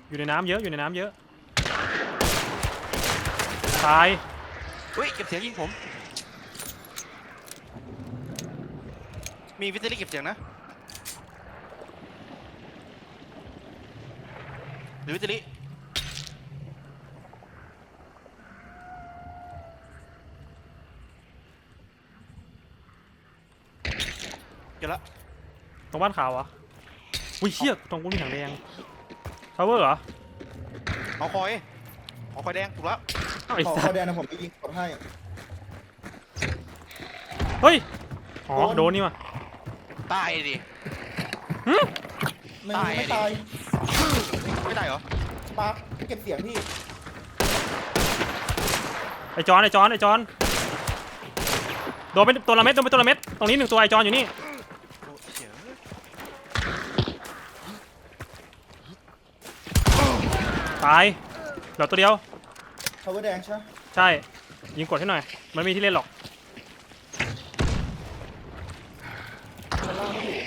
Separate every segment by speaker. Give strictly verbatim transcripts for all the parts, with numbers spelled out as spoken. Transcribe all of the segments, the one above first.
Speaker 1: อยู่ในน้ำเยอะอยู่ในน้ำเยอะตาย
Speaker 2: เฮ้ยเก็บเสียงยิงผมมีวิทยุเก็บเสียงนะหรือวิทยุเก็บละ
Speaker 1: ตรงบ้านขาวเหรออุ้ยเชี่ยตรงกูมีถังแดงทาวเวอร์เหรอ
Speaker 2: หอคอยหอคอยแดงถูกแล้ว
Speaker 1: ไอ้
Speaker 3: ขอ
Speaker 1: สั
Speaker 3: ขอ
Speaker 1: ส
Speaker 3: แดงนะผมไปยิงกดให้
Speaker 1: เฮ้ยอ๋อโดนนี่ว่ะ
Speaker 2: ตายดิ
Speaker 3: ไม่
Speaker 2: ตาย
Speaker 3: ไม่ตาย
Speaker 2: ไม่ได้เหรอ
Speaker 3: ปาร์คเก็บเสียงพี่
Speaker 1: ไอจอนไอจอนไอจอนโดนไปตัวละเม็ดโดนไปตัวละเม็ดตรงนี้หนึ่งตัวไอจอนอยู่นี่
Speaker 2: โอ้เสีย
Speaker 1: ตายเหลือตัวเดียว
Speaker 3: ทาวเวอร์แดงใช่ไหม
Speaker 1: ใช่ยิงกดให้หน่อยมันไม่มีที่เล่นหรอก
Speaker 3: ชั้นล่างไม่อยู่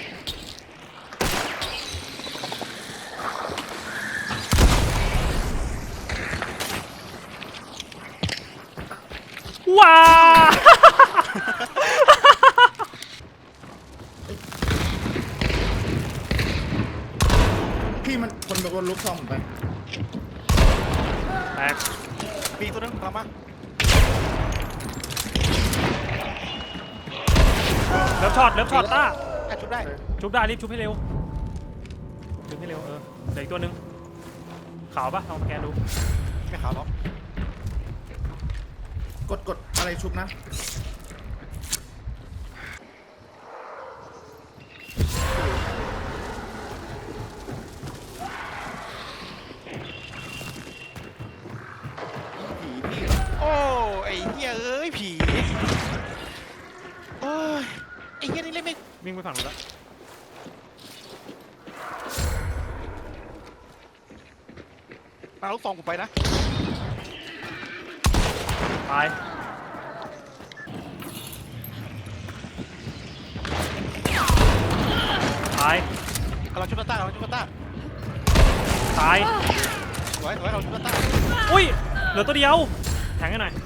Speaker 1: ว้า
Speaker 3: พี่มันคนโดนลุกซองผมไป
Speaker 1: แตก
Speaker 2: ปีตัวนึงกลับมา
Speaker 1: เลิฟช็อตเลิฟช็อตต้า
Speaker 2: แอบชุบได้
Speaker 1: ชุบได้รีบชุบให้เร็วชุบให้เร็วเออเหลืออีกตัวหนึ่งขาวปะลองสแกนดู
Speaker 2: ไม่ขาวหรอก
Speaker 3: กดกดอะไรชุบนะผีพี่
Speaker 2: โอ้ไอ้เหี้ยเอ้ยผีโอ้ยไอ้เหี้ยนี่เล่นไม่
Speaker 1: วิ่งไปฝั่งนู้นแล้ว
Speaker 2: มาลูกซองกูไปนะ
Speaker 1: ตายตาย
Speaker 2: เราชุบตาเราชุบตา
Speaker 1: ตาย
Speaker 2: ไว้ไว้เราชุบตา
Speaker 1: อุ้ยเหลือตัวเดียวแทงให้หน่อย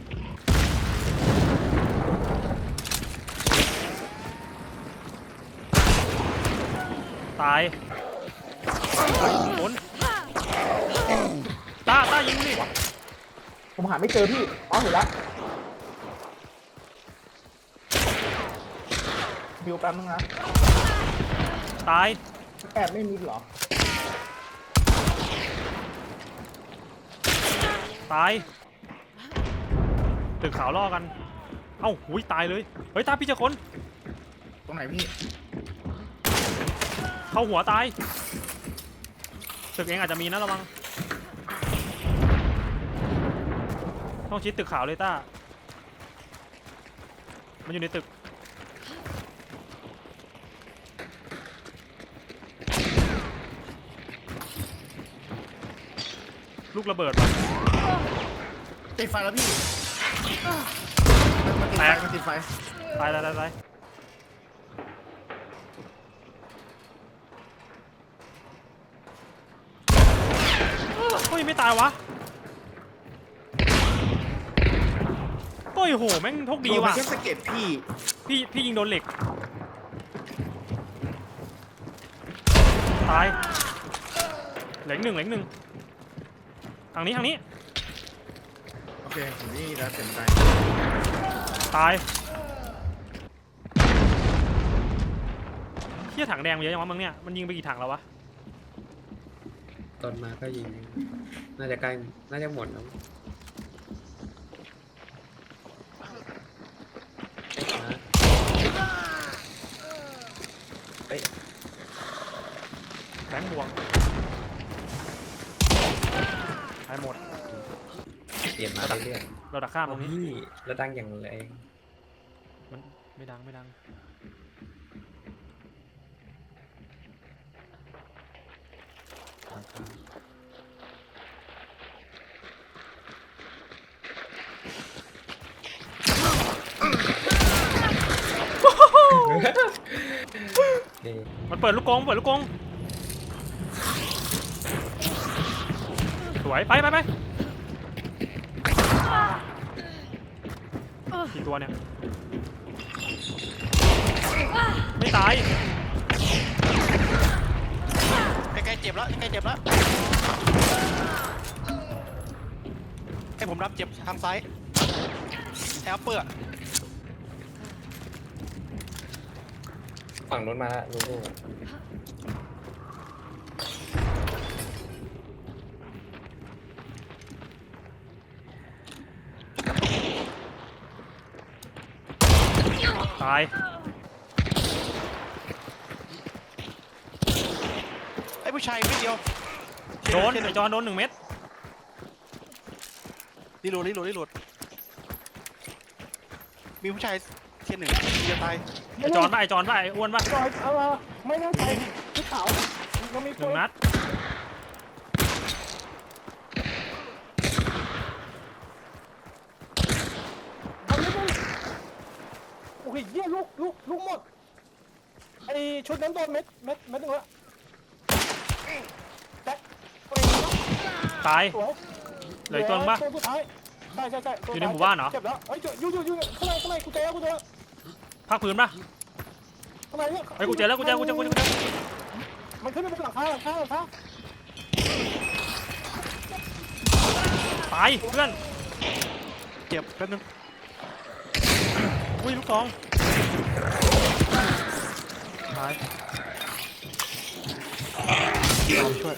Speaker 1: ตายผลตาตายิงดิ
Speaker 3: ผมหาไม่เจอพี่อ๋อเห็นละบิวแป๊บนึงนะ
Speaker 1: ตาย
Speaker 3: แอบไม่มีเหรอ
Speaker 1: ตายตึกขาวล่อกันเอ้าหุยตายเลยเฮ้ยตาพี่เจะคน
Speaker 3: ตรงไหนพี่
Speaker 1: เข้าหัวตายตึกเองอาจจะมีนะระวังต้องชิดตึกขาวเลยต้ามันอยู่ในตึกลูกระเบิดว่ะ
Speaker 3: ติดไฟแล้วพี่มันติดไฟมันติดไฟ
Speaker 1: ตายตายตายตายเฮ้ยไม่ตายวะโอ้ยโหแม่งโชคดีว่ะ
Speaker 3: โนไปแค่สะเก็ตพี่
Speaker 1: พี่พี่ยิงโดนเหล็กตายเหล็กหนึ่งเหล็กหนึ่งทางนี้ทางนี้
Speaker 3: โอเคผมนี่แล้วเต็มใจ
Speaker 1: ตายเที่ยถังแดงมันเยอะยังวะมึงเนี่ยมันยิงไปกี่ถังแล้ววะ
Speaker 4: ตอนมาก็ยิง น่าจะใกล้ น่าจะหมดแล้ว
Speaker 1: แบงค์บวกตายหมด
Speaker 4: เปลี่ยนมาเรื่อย
Speaker 1: เราดักข้าม
Speaker 4: ๆ
Speaker 1: ตรงนี้
Speaker 4: พี่แล้วดังอย่างแรง
Speaker 1: มันไม่ดังไม่ดังมันเปิดลูกกรงเปิดลูกกรงสวยไปไปไปกี่ตัวเนี่ยไม่ตาย
Speaker 2: ใกล้ๆเจ็บแล้วใกล้ๆเจ็บแล้วให้ผมรับเจ็บทางซ้ายแอลเปอร์
Speaker 4: ฝั่งนู้นมาละลูลู
Speaker 1: ตาย
Speaker 2: ไอ้ผู้ชายนิดเดียว
Speaker 1: โดนไอจอนโดนหนึ่งเม็ด
Speaker 2: รีโหลดรีโหลดรีโหลดมีผู้ชายเทียนหนึ่งจะตาย
Speaker 1: ไอจอนป่ะไอจอนป่ะไออ้วนป่ะ
Speaker 5: จอยเอามาไม่ต้องใส่ชุดขาวมันมี
Speaker 1: หนึ่งนัด
Speaker 5: เอานิดนึงโอ้ยเยี่ยลูกลูกลูกหมดไอชุดนั้นโดนเม็ดเม็ดเม็ดหนึ่งละแจ็คไปแล้ว
Speaker 1: ตาย
Speaker 5: สวย
Speaker 1: เหลืออีกตัวนึงป่ะ
Speaker 5: ตัวสุดท้ายใช่ใช่ใช่ตัว
Speaker 1: อยู่ในหมู่บ้านเหรอ
Speaker 5: เจ็บแล้วเฮ้ยอยู่อยู่อยู่ข้างในข้างในกูเจอแล้วกูเจอแล้ว
Speaker 1: ภาคพื้นป่ะ
Speaker 5: ข้างในเนี่ย
Speaker 1: ไอยกูเจอแล้วกูเจอกูเจอกูเจอกูเจอ
Speaker 5: มันขึ้นไปบนหลังคาหลังคาหลังคา
Speaker 1: ตายเพื่อน
Speaker 2: เจ็บแป๊บนึง
Speaker 1: อุ้ยลูกซองตาย
Speaker 2: เราช่วย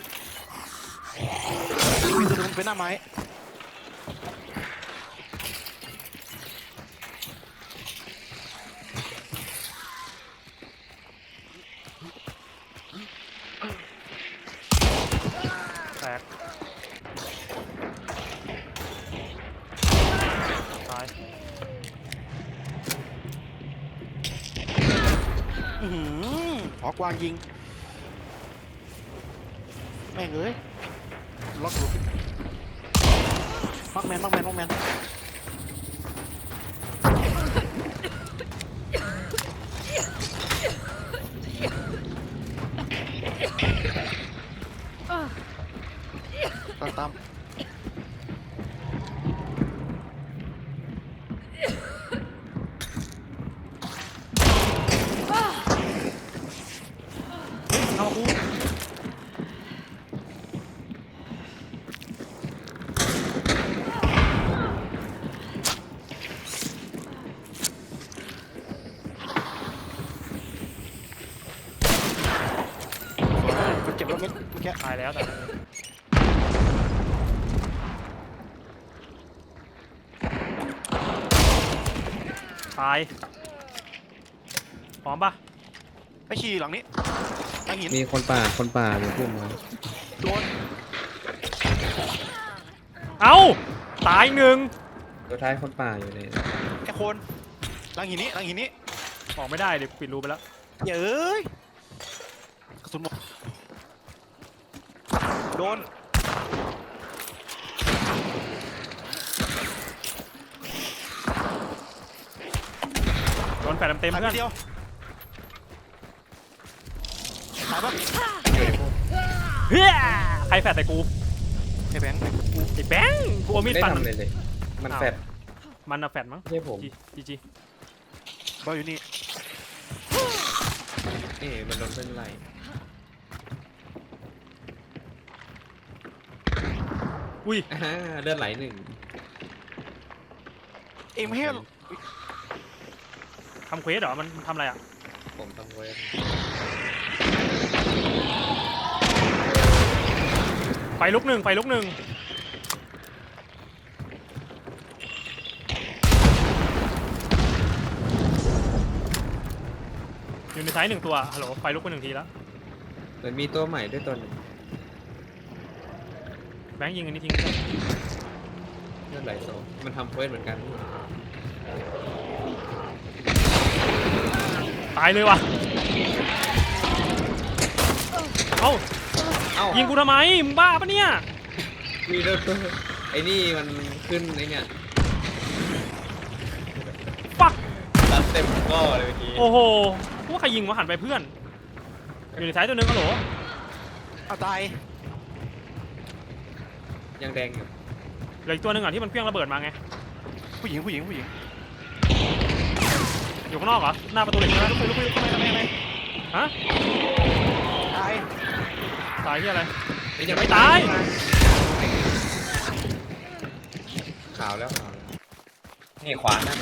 Speaker 2: มีตัวนึงเป็นหน้าไม้
Speaker 1: แตกตาย
Speaker 2: อือหือหอกวางยิงแม่งเอ้ยล็อกอยู่มักแมนมักแมนมักแมนตามตาม
Speaker 1: เอากู
Speaker 2: มันเจ็บแล้วเม็ดเมื่อกี้
Speaker 1: ตายแล้วแต่ตายพร้อมป่ะ
Speaker 2: ไปฉี่หลังนี้หลังหิน
Speaker 4: มีคนป่าคนป่าอยู่พุ่มมา
Speaker 2: โดน
Speaker 1: เอ้าตายหนึ่ง
Speaker 4: ตัวท้ายคนป่าอยู่เนี่ย
Speaker 2: ไอ้โคนหลังหินนี้หลังหินนี้
Speaker 1: ออกไม่ได้เดี๋ยวปิดรูไปแล้ว
Speaker 2: อย่าเอ้ยกระสุนหมดโดน
Speaker 1: โดนแฟดเต็มๆ
Speaker 2: หาย
Speaker 1: เพื่
Speaker 2: ไป
Speaker 1: อน
Speaker 2: เดียวหายปะ
Speaker 1: เฮ้ยใครแฟดแต่กู
Speaker 2: ไอ้แบงค์
Speaker 1: ไอ้แบงค์กูเอามีด
Speaker 4: ได้
Speaker 1: ฟันมัน
Speaker 4: ทำเลยเลย มันแฟด
Speaker 1: มันอะแฟดมั้ง
Speaker 4: ไม่ใช่ผม
Speaker 1: จีจีจี
Speaker 2: บอลอยู่นี่
Speaker 4: นี่มันโดนเป็นไร
Speaker 1: อุ้ย
Speaker 4: อ่าเลือดไหลหนึ่ง
Speaker 2: เองไม่ให้
Speaker 1: ทำเควสเหรอมันทำอะไรอ่ะ
Speaker 4: ผมทำเวท
Speaker 1: ไฟลุกหนึ่งไฟลุกหนึ่งอยู่ในไซส์หนึ่งตัวฮัลโหลไฟลุกไปหนึ่งทีแล้ว
Speaker 4: เหมือนมีตัวใหม่ด้วยตัวหนึง
Speaker 1: แบงค์ยิงอันนี้ทิ้ง
Speaker 4: เลือดไหลโซมันทำเวทเหมือนกัน
Speaker 1: ตายเลยว่ะเอ้า
Speaker 4: เอ้า
Speaker 1: ยิงกูทำไมมึงบ้าปะเนี่ย
Speaker 4: มีเลือดตัวไอ้นี่มันขึ้นไอ้เนี่ย
Speaker 1: ปัก
Speaker 4: รัดเต็มก้อเลยเมื่อกี้
Speaker 1: โอ้โหพวกใครยิงวะหันไปเพื่อนอยู่ในไซส์ตัวหนึงฮัลโหล
Speaker 2: เอาตาย
Speaker 4: ยังแดงอยู่
Speaker 1: เหลืออีกตัวหนึ่งอ่ะที่มันเพี้ยงระเบิดมาไง
Speaker 2: ผู้หญิงผู้หญิงผู้หญิง
Speaker 1: อยู่ข้างนอกเหรอหน้าประตูเหล็กใช่ไหม
Speaker 2: ลุกไปลุกไปลุกไปทำไมทำไม
Speaker 1: ฮะ
Speaker 2: ตาย
Speaker 1: ตายที่อะไร
Speaker 4: เอ้ย
Speaker 1: ยั
Speaker 4: ยัง ง
Speaker 1: ไม่
Speaker 4: ไม่
Speaker 1: ตาย
Speaker 4: ขาวแล้วขาวแล้ว
Speaker 6: นี่ขวานะ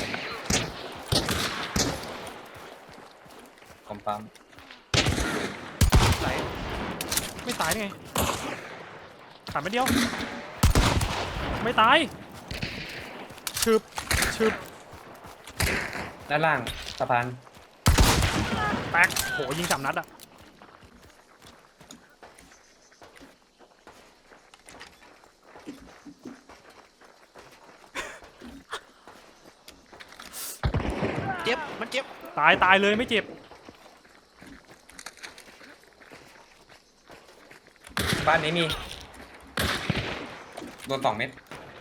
Speaker 6: ผมปั๊ม
Speaker 2: ไหล
Speaker 1: ไม่ตายได้ไงขาดไม่เดียวไม่ตายชึบชึบ
Speaker 6: ด้านล่างสะพาน
Speaker 1: แตกโหยิงสามนัดอ่ะ
Speaker 2: เจ็บมันเจ็บ
Speaker 1: ตายตายเลยไม่เจ็บ
Speaker 6: บ้านนี้มีโดนสองเม็ด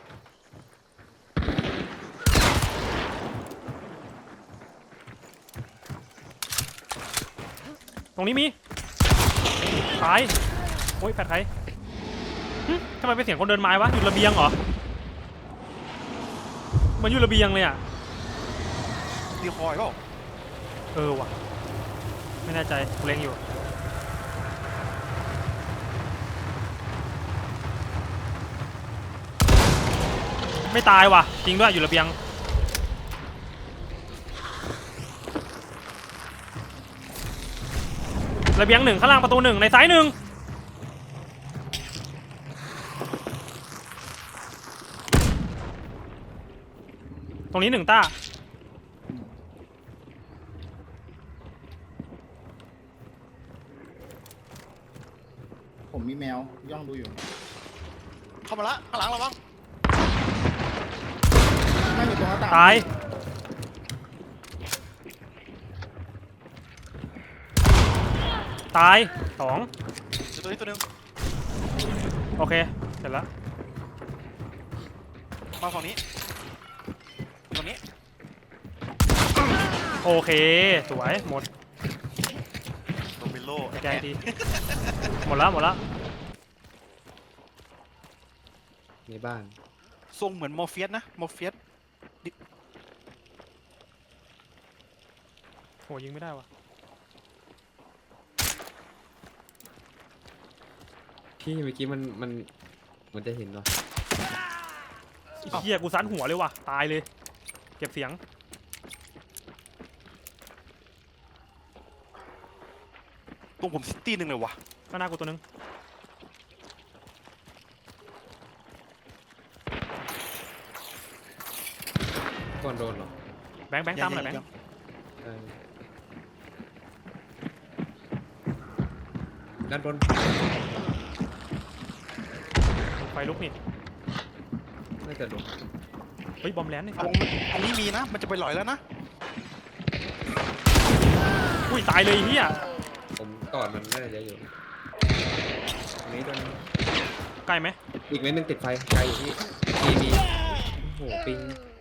Speaker 1: ตรงนี้มีตายโอ้ยแฟดใครหึทำไมเป็นเสียงคนเดินไม้วะอยู่ระเบียงเหรอเหมันอยู่ระเบียงเลยอ่ะ
Speaker 2: ดีคอยเปล่า
Speaker 1: เออว่ะไม่แน่ใจกูเล็งอยู่ไม่ตายว่ะจริงด้วยอยู่ระเบียงระเบียงหนึ่งข้างล่างประตูหนึ่งในซ้ายหนึ่งตรงนี้หนึ่งต้า
Speaker 3: ผมมีแมวย่องดูอยู่
Speaker 2: เข้ามาละข้างหลังระวัง
Speaker 3: ไม่อยู่ตรงหน้าต่าง
Speaker 1: ตายตายสอง
Speaker 2: เดี๋ยวตัวนี้ตัวหนึง
Speaker 1: โอเคเสร็จแล้ว
Speaker 2: มาฝั่งนี้ฝั่งนี้
Speaker 1: โอเคสวยหมด
Speaker 2: โดมิโล
Speaker 1: ใจดีหมดแล้วหมดแล้ว
Speaker 4: ในบ้าน
Speaker 2: ทรงเหมือนมอร์เฟียสนะมอร์เฟียส
Speaker 1: โหยิงไม่ได้ว่ะ
Speaker 4: พี่เมื่อกี้มันมันมันจะเห็นเหรอ
Speaker 1: ไอ้เฮียกูซันหัวเลยว่ะตายเลยเก็บเสียง
Speaker 2: ตรงผมซิตี้หนึ่งเลยวะ
Speaker 1: ข้างหน้ากูตัวนึง
Speaker 4: ก่อนโดนเหรอ
Speaker 1: แบงค์แบงค์ตามหน่อยแบงค์
Speaker 4: เออด้านบน
Speaker 1: ไฟลุกนี่
Speaker 4: น่าจะลง
Speaker 1: เฮ้ยบอมแลนด์นี่
Speaker 2: วงอันนี้มีนะ มันจะไปหลอยแล้วนะ
Speaker 1: อุ้ยตายเลยไอ้เฮีย
Speaker 4: ผมกอดมันน่าจะเยอะอยู่ตรงนี้ตัวนี้
Speaker 1: ใกล้ไหม
Speaker 4: อีกเม็ดหนึงติดไฟไกลอยู่พี่มีมีโอ้โหปิง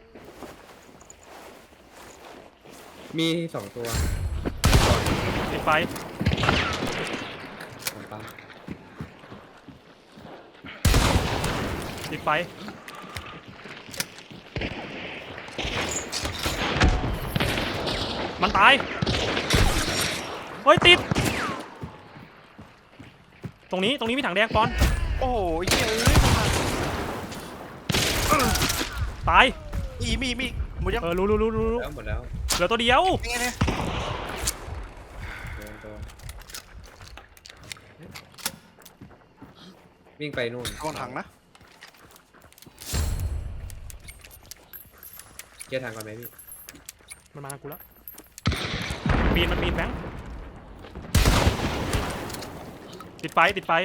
Speaker 4: มีสองตัว
Speaker 1: ติดไฟ
Speaker 4: ผมปั๊ม
Speaker 1: ติดไฟมันตายเฮ้ยติดตรงนี้ตรงนี้มีถังแดงปอน
Speaker 2: โอ้โหไอ้เหี้ยเอ้ยมันมา
Speaker 1: ตาย
Speaker 2: อีมีมีหมดยัง
Speaker 1: เออรู้รู้รู้รู้รู้
Speaker 4: แล้วหมดแล้ว
Speaker 1: เหลือตัวเดียว
Speaker 2: ยังไงเนี่ย
Speaker 4: โดนโดนวิ่งไปนู่น
Speaker 2: กองถังนะ
Speaker 4: เกียร์ทางก่อนไหมพี่
Speaker 1: มันมาหากูแล้วปีนมันปีนแบงค์ติดไฟติดไฟ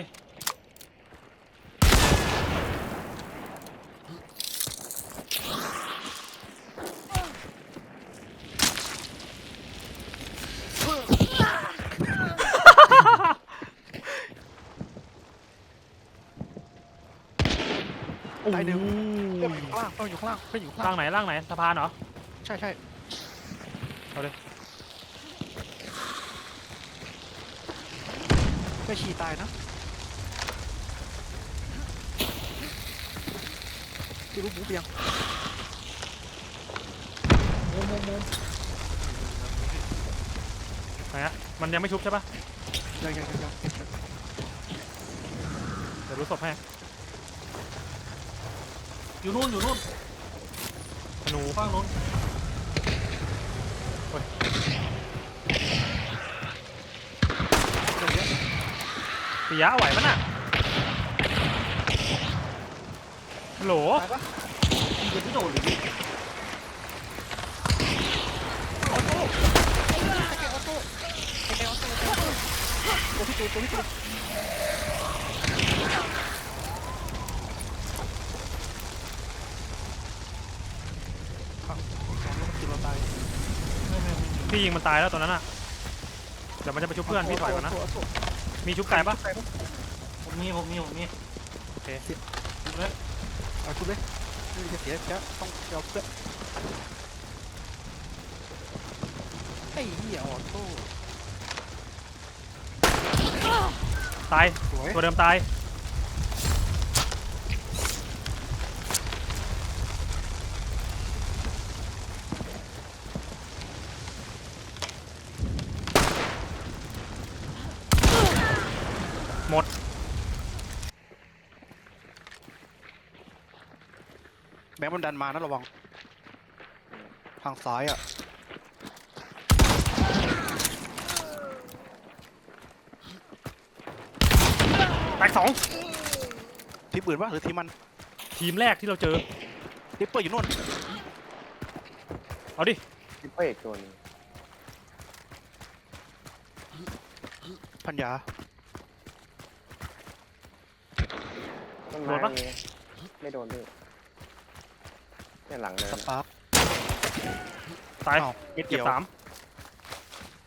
Speaker 2: ตายหนึ่งเพื่อนอยู่ข้างล่างเพื่อนอยู่ข้างล่างเพื่อนอยู่ข้าง
Speaker 1: ล่า
Speaker 2: ล่าง
Speaker 1: งไหนล่างไหนสะพานเหรอ
Speaker 2: ใช่ใช่
Speaker 1: เอาเลย
Speaker 2: ไม่ฉี่ตายนะที่รู้หมูเปียง
Speaker 5: มุมมุมมุม
Speaker 1: ไหนฮะมันยังไม่ชุบใช่ปะ
Speaker 2: ยังยังยังยัง
Speaker 1: เดี๋ยวรู้ศพให้
Speaker 5: อยู่นู่นอยู่นู่น
Speaker 1: ธนู
Speaker 5: ข้างนู้น
Speaker 2: ตรงเนี้ย
Speaker 1: ปิยะไหวปะน่ะฮัลโหล
Speaker 2: ตายปะ
Speaker 5: ยิงกันที่โดนหรือยิง
Speaker 2: ออโต้ไอ้แกออโต้ไอ้แกออโต้ตัวพี่ตูนตัวพี่ตูน กินเราตาย
Speaker 1: พี่ยิงมันตายแล้วตอนนั้นอ่ะเดี๋ยวมันจะไปชุบเพื่อนพี่ถอยก่อนนะมีชุบไก่ปะ
Speaker 5: ผมมีผมมีผมมี
Speaker 1: โอเค
Speaker 2: เอาชุบเลยไม่จะเสียจะต้องเอาเพื่อนไอ้เหี้ยออโต้
Speaker 1: ตาย
Speaker 2: สวย
Speaker 1: ตัวเดิมตายหมด
Speaker 2: แบงค์มันดันมานะระวังทางซ้ายอ่ะ
Speaker 1: แตกสอง
Speaker 2: ทีมอื่นปะหรือทีมมัน
Speaker 1: ทีมแรกที่เราเจอ
Speaker 2: ริปเปอร์อยู่นู่น
Speaker 1: เอาดิ
Speaker 7: ทิปเปอร์อีกตัวหนึง
Speaker 2: พันยา
Speaker 7: ต้น
Speaker 1: โด
Speaker 7: ไม้
Speaker 1: นปะ
Speaker 7: มีไม่โดนพี่เนี่ยหลังเนิ
Speaker 2: ส
Speaker 7: น
Speaker 2: ปาร์ค
Speaker 1: ตาย
Speaker 2: อ้าวเม็ด
Speaker 1: เก็
Speaker 2: เดี
Speaker 1: บ
Speaker 2: ยว
Speaker 1: สาม